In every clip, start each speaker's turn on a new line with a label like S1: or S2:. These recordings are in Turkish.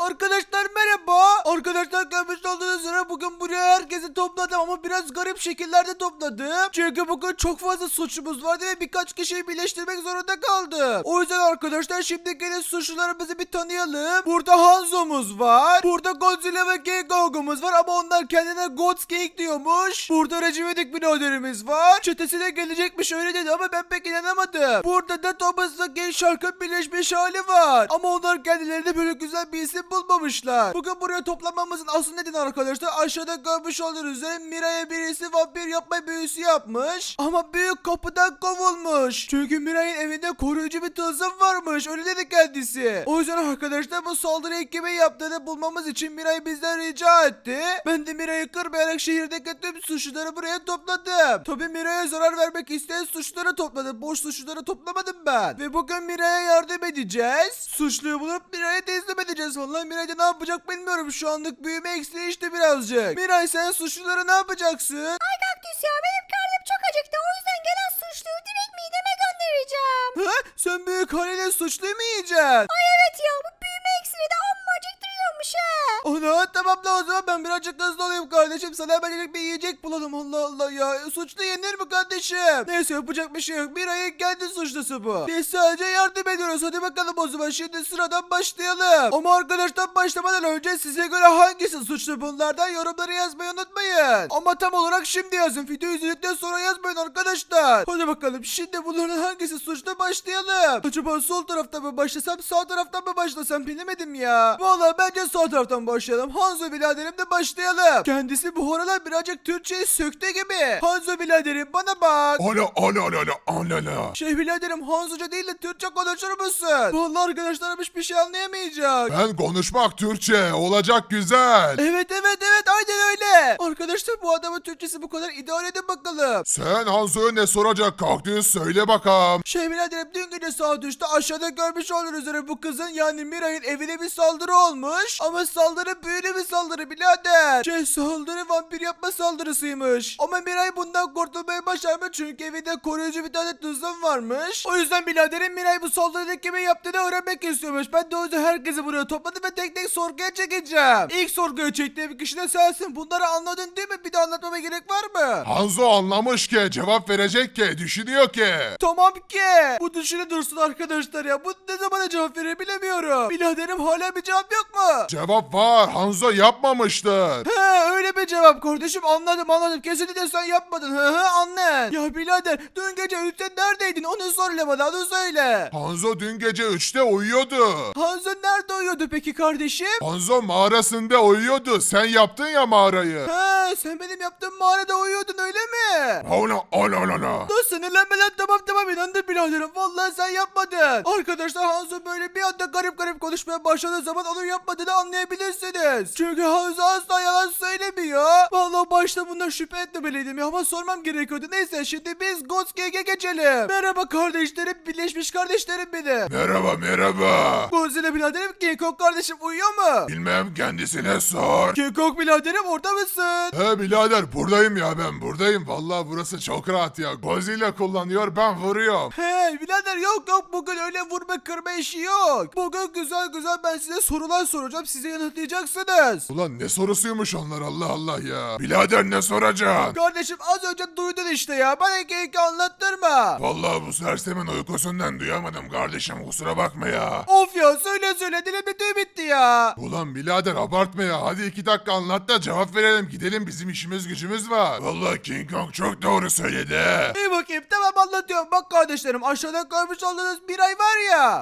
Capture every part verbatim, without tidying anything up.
S1: Arkadaşlar merhaba. Arkadaşlar görmüş olduğunuz üzere bugün buraya herkesi topladım ama biraz garip şekillerde topladım. Çünkü bugün çok fazla suçumuz vardı ve birkaç kişiyi birleştirmek zorunda kaldım. O yüzden arkadaşlar şimdi gelin suçlularımızı bir tanıyalım. Burada Hanzo'muz var. Burada Godzilla ve King Kong'umuz var ama onlar kendine Gods King diyormuş. Burada Recep İvedik biraderimiz var. Çetesine gelecekmiş öyle dedi ama ben pek inanamadım. Burada da Thomas'la King Shark'ın birleşmiş hali var. Ama onlar kendilerine böyle güzel bir isim bulmamışlar. Bugün buraya toplanmamızın asıl nedeni arkadaşlar aşağıda görmüş olduğunuz üzere Miray'a birisi vampir yapma büyüsü yapmış. Ama büyük kapıdan kovulmuş. Çünkü Miray'ın evinde koruyucu bir tılsım varmış. Öyle dedi kendisi. O yüzden arkadaşlar bu saldırıyı kimin yaptığını bulmamız için Miray bizden rica etti. Ben de Miray'ı kırmayarak şehirdeki tüm suçluları buraya topladım. Tabii Miray'a zarar vermek isteyen suçluları topladım. Boş suçluları toplamadım ben. Ve bugün Miray'a yardım edeceğiz. Suçluyu bulup Miray'a teslim edeceğiz. Vallahi Miray de ne yapacak bilmiyorum. Şu anlık büyüme eksiği işte birazcık. Miray sen suçlulara ne yapacaksın?
S2: Ay kaktüs ya benim karnım çok acıktı. O yüzden gelen suçluyu direkt mideme göndereceğim.
S1: Ha? Sen büyük haliyle suçluyu mu yiyeceksin?
S2: Ay evet ya bu büyüme iksiri de amma acıktırıyormuş he.
S1: Ana tamam da o zaman ben birazcık hızlı olayım kardeşim. Sana hemencik bir yiyecek bulalım. Allah Allah ya. Suçlu yenir mi kardeşim? Neyse yapacak bir şey yok. Miray'ın kendi suçlusu bu. Biz sadece yardım ediyoruz. Hadi bakalım o zaman. Şimdi sıradan başlayalım. Ama arkadaşlar başlamadan önce size göre hangisi suçlu bunlardan yorumları yazmayı unutmayın. Ama tam olarak şimdi yazın. Video izledikten sonra yazmayın arkadaşlar. Hadi bakalım. Şimdi bunların hangisi suçlu başlayalım. Acaba sol tarafta mı başlasam sağ taraftan mı başlasam bilemedim ya. Vallahi bence sağ taraftan başlayalım. Hanzo biraderim de başlayalım. Kendisi bu aralar birazcık Türkçeyi söktü gibi. Hanzo biraderim bana bak.
S3: Ala ala ala ala ala ala.
S1: Şey biraderim Hanzoca değil de Türkçe konuşur musun? Vallahi arkadaşlarım hiçbir şey anlayamayacak.
S3: Ben konuşmak Türkçe olacak güzel.
S1: Evet evet evet aynen öyle. Arkadaşlar bu adamın Türkçesi bu kadar idare edin bakalım.
S3: Sen Hanzo'ya ne soracak kaktüs söyle bakalım.
S1: Şey biraderim dün gece saat üçte aşağıda görmüş olduğunuz üzere bu kızın yani Miray'ın evine bir saldırı olmuş. Ama saldırı büyülü bir saldırı birader. Şey saldırı vampir yapma saldırısıymış. Ama Miray bundan kurtulmayı başarmış çünkü evinde koruyucu bir tane tuzum varmış. O yüzden biraderim Miray bu saldırıyı kimin yaptığını öğrenmek istiyormuş. Ben de o yüzden herkesi buraya topladım ve tek tek sorguya çekeceğim. İlk sorguya çektiğim kişi de sensin. Bunları anladın değil mi? Bir de anlatmama gerek var mı?
S3: Hanzo anlamış ki cevap verecek ki düşünüyor ki.
S1: Tamam ki. Bu düşünü dursun arkadaşlar ya. Bu ne zamana cevap verir bilemiyorum. Biraderim hala bir cevap yok mu?
S3: Cevap var, Hanzo yapmamıştır.
S1: He öyle bir cevap kardeşim anladım anladım. Kesinlikle sen yapmadın. Hı hı anne. Ya birader dün gece üçte neredeydin onu söyle bana onu söyle.
S3: Hanzo dün gece üçte uyuyordu.
S1: Hanzo nerede uyuyordu peki kardeşim?
S3: Hanzo mağarasında uyuyordu. Sen yaptın ya mağarayı.
S1: He sen benim yaptığım mağarada uyuyordun öyle mi?
S3: Ala ala ala ala.
S1: Dur sinirlenme lan tamam tamam inandım biraderim. Vallahi sen yapmadın. Arkadaşlar Hanzo böyle bir anda garip garip konuşmaya başladığı zaman onun yapmadığını anlayabilirsiniz. Çünkü Hanzo asla yalan söylemiyor. Vallahi başta bundan şüphe etmemeliydim ya ama sormam gerekiyordu. Neyse şimdi biz Ghost Gang'e geçelim. Merhaba kardeşlerim birleşmiş kardeşlerim benim.
S3: Merhaba merhaba.
S1: Godzilla biraderim King Kong kardeşim uyuyor mu?
S3: Bilmem kendisine sor.
S1: King Kong biraderim orada mısın?
S3: He birader buradayım ya ben buradayım. Vallahi burası çok rahat ya. Godzilla kullanıyor ben vuruyorum.
S1: Hey birader yok yok bugün öyle vurma kırma işi yok. Bugün güzel güzel ben size sorular soracağım size yanıtlayacaksınız.
S3: Ulan ne sorusuymuş onlar Allah Allah ya. Birader ne soracaksın?
S1: Kardeşim az önce duydun işte ya bana iki anlattırma.
S3: Vallahi bu sersemin uykusundan duyamadım kardeşim kusura bakma ya.
S1: Of ya söyle söyle dilim tüy bitti ya.
S3: Ulan birader abartma ya. Hadi iki dakika anlat da cevap verelim. Gidelim bizim işimiz gücümüz var. Vallahi King Kong çok doğru söyledi.
S1: İyi bakayım tamam anlatıyorum bak kardeşlerim aşağıda görmüş olduğunuz bir ay var ya.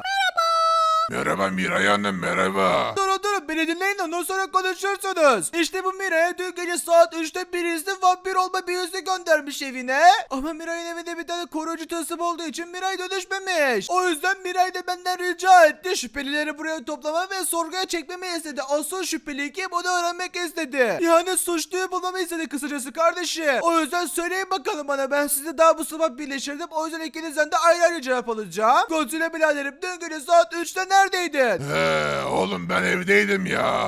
S3: Merhaba Miray Hanım merhaba.
S1: Durun durun beni dinleyin de ondan sonra konuşursunuz. İşte bu Miray'a dün gece saat üçte birisi vampir olma büyüsü göndermiş evine. Ama Miray'ın evinde bir tane koruyucu tılsım olduğu için Miray dönüşmemiş. O yüzden Miray da benden rica etti. Şüphelileri buraya toplama ve sorguya çekmemi istedi. Asıl şüpheli kim onu öğrenmek istedi. Yani suçluyu bulmamı istedi kısacası kardeşim. O yüzden söyleyin bakalım bana ben sizi daha bu sabah birleştirdim. O yüzden ikinizden de ayrı ayrı cevap alacağım. Godzilla biraderim dün gece saat üçte neredeydin?
S3: He oğlum ben evdeydim ya.
S1: Ne?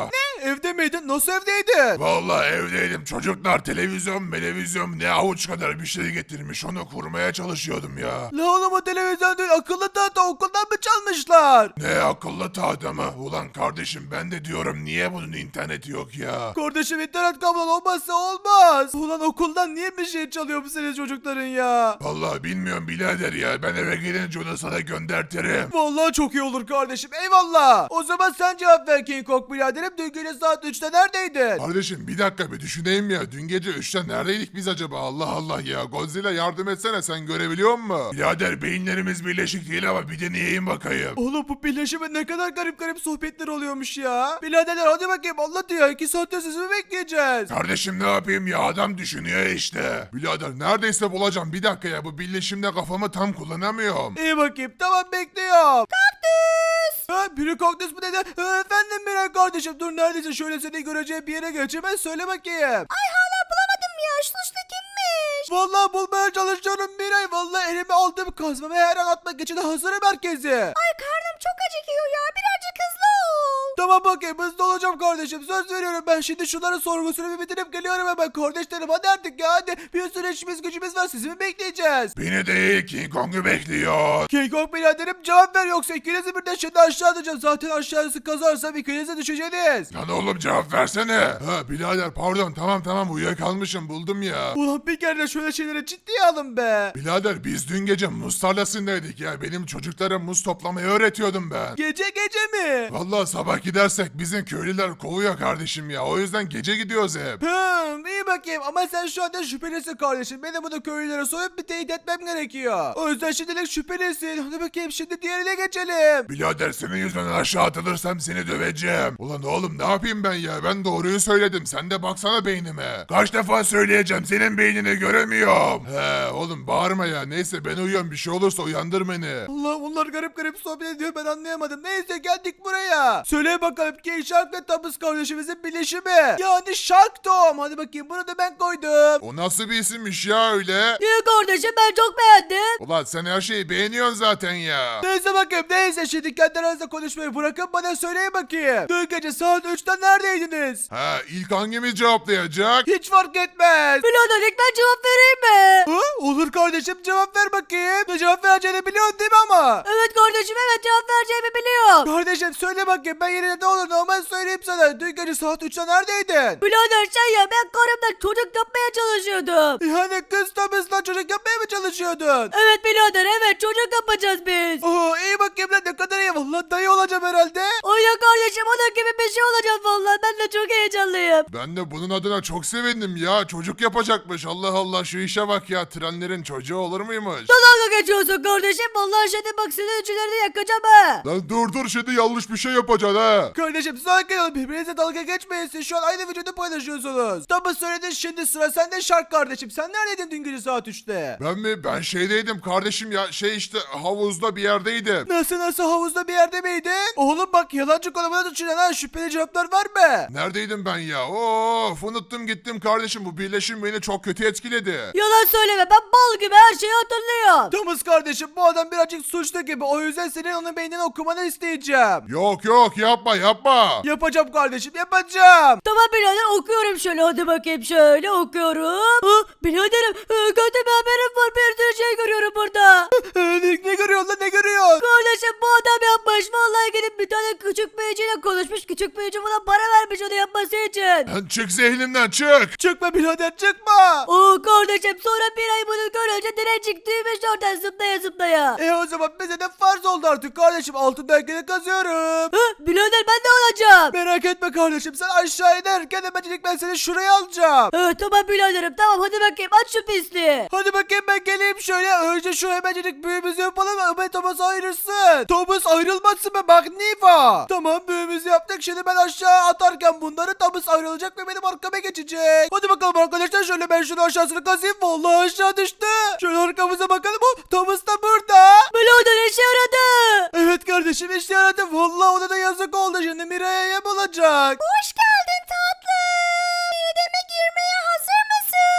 S1: evde miydin? Nasıl evdeydin?
S3: Vallahi evdeydim. Çocuklar televizyon, televizyon ne avuç kadar bir şey getirmiş. Onu kurmaya çalışıyordum ya.
S1: La oğlum o televizyon değil, akıllı tahta okuldan mı çalmışlar?
S3: Ne akıllı tahta mı? Ulan kardeşim ben de diyorum niye bunun interneti yok ya?
S1: Kardeşim internet kablon olmazsa olmaz. Ulan okuldan niye bir şey çalıyor bu senin çocukların ya?
S3: Vallahi bilmiyorum birader ya. Ben eve gelince onu sana göndertirim.
S1: Vallahi çok iyi olur kardeşim, eyvallah. O zaman sen cevap ver King Kong biraderim. Dün gece saat üçte neredeydin?
S3: Kardeşim bir dakika bir düşüneyim ya. Dün gece üçte neredeydik biz acaba? Allah Allah ya. Godzilla yardım etsene sen görebiliyor musun? Birader beyinlerimiz birleşik değil ama bir deneyeyim bakayım.
S1: Oğlum bu birleşime ne kadar garip garip sohbetler oluyormuş ya. Biraderler hadi bakayım anlat ya. iki saatte sizi mi bekleyeceğiz?
S3: Kardeşim ne yapayım ya adam düşünüyor işte. Birader neredeyse bulacağım bir dakika ya bu birleşimde kafamı tam kullanamıyorum.
S1: İyi bakayım tamam bekliyorum. Kaktüs. Ha biri kaktüs mü dedi? Ha, efendim Miray kardeşim dur neredeyse şöyle seni göreceğim bir yere geç hemen söyle bakayım.
S2: Ay hala bulamadım ya. Suçlu kimmiş?
S1: Vallahi bulmaya çalışıyorum Miray. Vallahi elime aldığım kazmamı her an atmak için hazırım herkesi.
S2: Ay karnım çok acıkıyor ya. Birazcık hızlı ol.
S1: Tamam bakayım hızlı olacağım kardeşim söz veriyorum ben şimdi şunların sorgusunu bir bitirip geliyorum hemen kardeşlerim hadi artık ya hadi bir sürü işimiz gücümüz var sizi mi bekleyeceğiz?
S3: Beni değil King Kong'u bekliyor.
S1: King Kong biraderim cevap ver yoksa ikinizi birden şimdi aşağı atacağım zaten aşağısı kazarsam ikinize düşeceğiz.
S3: Lan oğlum cevap versene. Ha birader pardon tamam tamam uyuyakalmışım buldum ya.
S1: Ulan bir kere de şöyle şeyleri ciddiye alın be.
S3: Birader biz dün gece muz tarlasındaydık ya. Benim çocuklara muz toplamayı öğretiyordum ben.
S1: Gece gece mi?
S3: Vallahi sabah gidersek bizim köylüler kovuyor kardeşim ya. O yüzden gece gidiyoruz hep.
S1: Hımm iyi bakayım ama sen şu anda şüphelisin kardeşim. Benim bunu köylülere soyup bir teyit etmem gerekiyor. O yüzden şimdilik şüphelisin. Hadi bakayım şimdi diğerine geçelim.
S3: Birader senin yüzünden aşağı atılırsam seni döveceğim. Ulan oğlum ne yapayım ben ya? Ben doğruyu söyledim. Sen de baksana beynime. Kaç defa söyleyeceğim senin beynini göremiyorum. He oğlum bağırma ya. Neyse ben uyuyorum. Bir şey olursa uyandır beni.
S1: Allah bunlar garip garip sohbet ediyor ben anlayamadım. Neyse geldik buraya. Söyle bakalım ki Shark ve Tabus kardeşimizin birleşimi. Yani Shark Tom. Hadi bakayım bunu da ben koydum.
S3: O nasıl bir isimmiş ya öyle?
S2: İyi kardeşim ben çok beğendim.
S3: Ulan sen her şeyi beğeniyorsun zaten ya.
S1: Neyse bakayım neyse şimdi kendi aranızda konuşmayı bırakın bana söyleyin bakayım. Dün gece saat üçte neredeydiniz?
S3: Ha ilk hangimiz cevaplayacak?
S1: Hiç fark etmez.
S2: Birader ilk ben cevap vereyim mi?
S1: Ha? Olur kardeşim cevap ver bakayım. Ne cevap vereceğini biliyorsun değil mi ama?
S2: Evet kardeşim evet cevap vereceğimi biliyorum.
S1: Kardeşim söyle bakayım ben yerine ne olur normal söyleyeyim sana. Dün gece saat üçte neredeydin?
S2: Birader sen ya ben karımla çocuk yapmaya çalışıyordum.
S1: Yani kız tabısla çocuk yapmaya mı çalışıyordun?
S2: Evet birader evet çocuk yapacağız biz.
S1: Oo iyi bakayım lan ne kadar iyi. Vallahi dayı olacağım herhalde.
S2: Aynen kardeşim onun gibi bir şey olacak vallahi ben de çok heyecanlıyım.
S3: Ben de bunun adına çok sevindim ya. Çocuk yapacakmış. Allah Allah şu işe bak ya. Trenlerin çocuğu olur muymuş?
S2: Dalga geçiyorsun kardeşim vallahi şimdi bak senin üçlerini yakacağım ha.
S3: Lan dur dur şimdi yanlış bir şey yapacaksın ha.
S1: Kardeşim sakin olun birbirinize dalga geçmeyin. Siz şu an aynı vücudu paylaşıyorsunuz. Tabi söyledin şimdi sıra sende Shark kardeşim. Sen neredeydin dün gece saat üçte?
S3: Ben mi? Ben şeydeydim kardeşim ya. Şey işte havuzda bir yerdeydim.
S1: Nasıl nasıl havuzda bir yerde miydin? Oğlum bak yalancı konumuna düşünen ha şüpheli cevaplar var mı?
S3: Neredeydim ben ya? Of unuttum gittim kardeşim. Bu birleşim beni çok kötü etkiledi.
S2: Yalan söyleme ben bal gibi her şeyi hatırlıyorum.
S1: Thomas kardeşim bu adam birazcık suçlu gibi. O yüzden senin onun beynini okumanı isteyeceğim.
S3: Yok yok yapma yapma.
S1: Yapacağım kardeşim yapacağım.
S2: Tamam birader okuyorum şöyle hadi bakayım şöyle okuyorum. Ha, biraderim e, kötü bir haberim var bir sürü şey görüyorum burada.
S1: ne, ne görüyorsun lan ne görüyorsun?
S2: Kardeşim bu adam yapmış vallahi gidip bir tane küçük büyücüyle konuşmuş küçük büyücü buna para vermiş onu yapması için.
S3: Lan çık zihnimden çık.
S1: Çıkma birader çıkma.
S2: Oo kardeşim sonra bir ay bunu görünce direncik düğmüş oradan zıplaya zıplaya.
S1: E o zaman bize de farz oldu artık kardeşim. Altın belgeni kazıyorum.
S2: Ha, birader ben de olacağım.
S1: Merak etme kardeşim sen aşağı inerken hemencilik ben seni şuraya alacağım.
S2: Ha, tamam biraderim tamam hadi bakayım aç şu pisliği.
S1: Hadi bakayım ben geleyim şöyle. Önce şu hemencilik büyümüzü yapalım. Ömer Thomas ayrılsın. Thomas ayrılmasın be bak Niva. Tamam büyümüzü yaptık. Şimdi ben aşağı atarken bunları Thomas ayrılacak ve benim arkama geçecek. Hadi bakalım arkadaşlar şöyle ben şunu aşağısını kazıyım. Vallahi aşağı düştü. Şöyle arkamıza bakalım. Oh, Thomas da burada.
S2: Birader işe yaradı.
S1: Evet kardeşim işte yaradı. Vallahi ona da yazık oldu. Şimdi Mira'ya yem olacak.
S2: Hoş geldin tatlım. Mideme girmeye hazır mısın?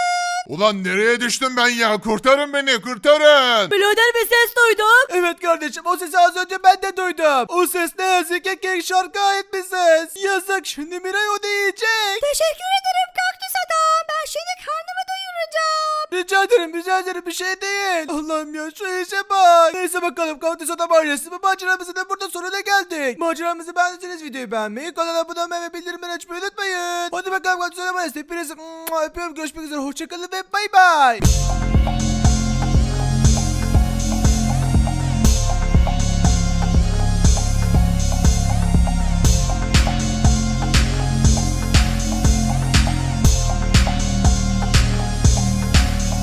S3: Ulan nereye düştüm ben ya? Kurtarın beni, kurtarın.
S2: Birader bir ses duydum.
S1: Evet kardeşim, o sesi az önce ben de duydum. O ses ne yazık ki Kek Şarkı'ya ait bir ses. Yazık, şimdi Miray onu yiyecek.
S2: Teşekkür ederim kaktüs adam. Ben şimdi karnımı doyuracağım.
S1: Rica ederim, rica ederim, bir şey değil. Allah'ım ya, şu işe bak. Neyse bakalım, Kaktüs Adam ailesi bu maceramızın da burada sonuna geldik. Maceramızı beğendiyseniz videoyu beğenmeyi, kanala abone olmayı ve bildirimleri açmayı unutmayın. Hadi bakalım Kaktüs Adam ailesi, hepinizi öpüyorum, görüşmek üzere, hoşçakalın ve bay bay.